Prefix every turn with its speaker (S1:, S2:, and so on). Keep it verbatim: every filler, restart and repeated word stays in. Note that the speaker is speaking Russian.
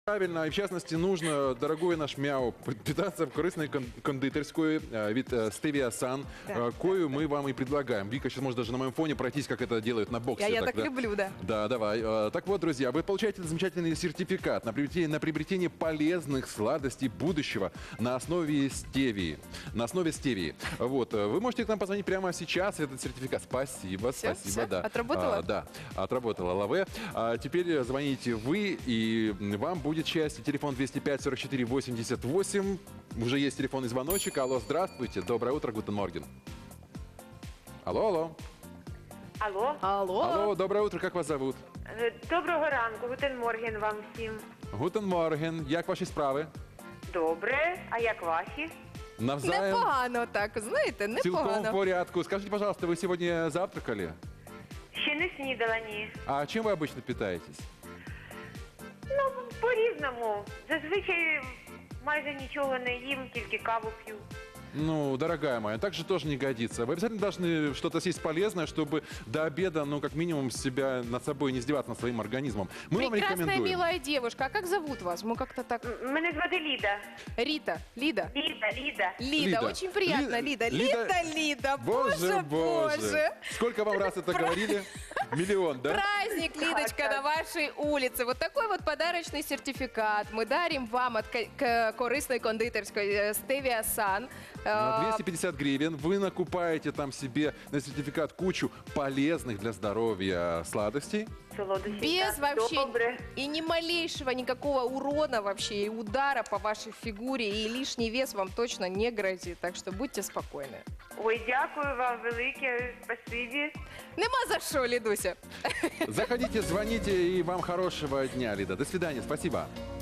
S1: Правильно, и в частности нужно, дорогой наш мяу, питаться в корыстной кон- кондитерской э, вид э, Stevia Sun,
S2: Да,
S1: э, кою мы вам и предлагаем. Вика сейчас может даже на моем фоне пройтись, как это делают на боксе.
S2: Я, я так
S1: да?
S2: люблю, да.
S1: Да, давай. Э, Так вот, друзья, вы получаете замечательный сертификат на приобретение, на приобретение полезных сладостей будущего на основе стевии. На основе стевии. Вот. э, Вы можете к нам позвонить прямо сейчас. Этот сертификат. Спасибо,
S2: Всё,
S1: спасибо.
S2: всё?
S1: Да.
S2: Отработала?
S1: А, да, отработала Лаве. А теперь звоните вы, и вам будет счастье. Телефон двести пять сорок четыре восемьдесят восемь. Уже есть телефонный звоночек. Алло, здравствуйте. Доброе утро, гутен морген. Алло, алло.
S3: Алло,
S2: Алло.
S1: Алло, доброе утро, как вас зовут?
S3: Е, доброго ранку, гутен морген вам всім.
S1: Гутен морген. Як ваші справи?
S3: Добре, а як ваші?
S1: Навзаєм.
S2: Непогано так, знаєте,
S1: Цілком в
S2: непогано.
S1: порядку. Скажите, пожалуйста, вы сегодня завтракали?
S3: Ще не снідала, ні.
S1: А чем вы обычно питаетесь?
S3: Ну, по-різному. Зазвичай майже нічого не їм, тільки каву п'ю.
S1: Ну, дорогая моя, так же тоже не годится. Вы обязательно должны что-то съесть полезное, чтобы до обеда, ну, как минимум, себя над собой не издеваться, над своим организмом. Мы вам
S2: Прекрасная,
S1: рекомендуем.
S2: милая девушка. А как зовут вас? Мы как-то так...
S3: М- Мене звати Ліда.
S2: Рита, Лида.
S3: Ліда, Ліда.
S2: Лида,
S1: Лида.
S2: очень приятно,
S1: Ли-
S2: Лида.
S1: Лида-
S2: Лида, Лида,
S1: Боже,
S2: боже, боже.
S1: Сколько вам раз это говорили? Миллион, да?
S2: Праздник, Лидочка,
S3: да.
S2: на вашей улице. Вот такой вот подарочный сертификат мы дарим вам от ко- к- корыстной кондитерской э, Stevia Sun.
S1: На
S2: Э,
S1: двести пятьдесят гривен вы накупаете там себе на сертификат кучу полезных для здоровья сладостей.
S3: Солодощі.
S2: Без
S3: так,
S2: вообще
S3: Добре.
S2: и ни малейшего никакого урона вообще и удара по вашей фигуре и лишний вес вам точно не грозит. Так что будьте спокойны.
S3: Ой, дякую вам велике, спасибі.
S2: Нема за что, Лидуся.
S1: Заходите, звоните, и вам хорошего дня, Лида. До свидания, спасибо.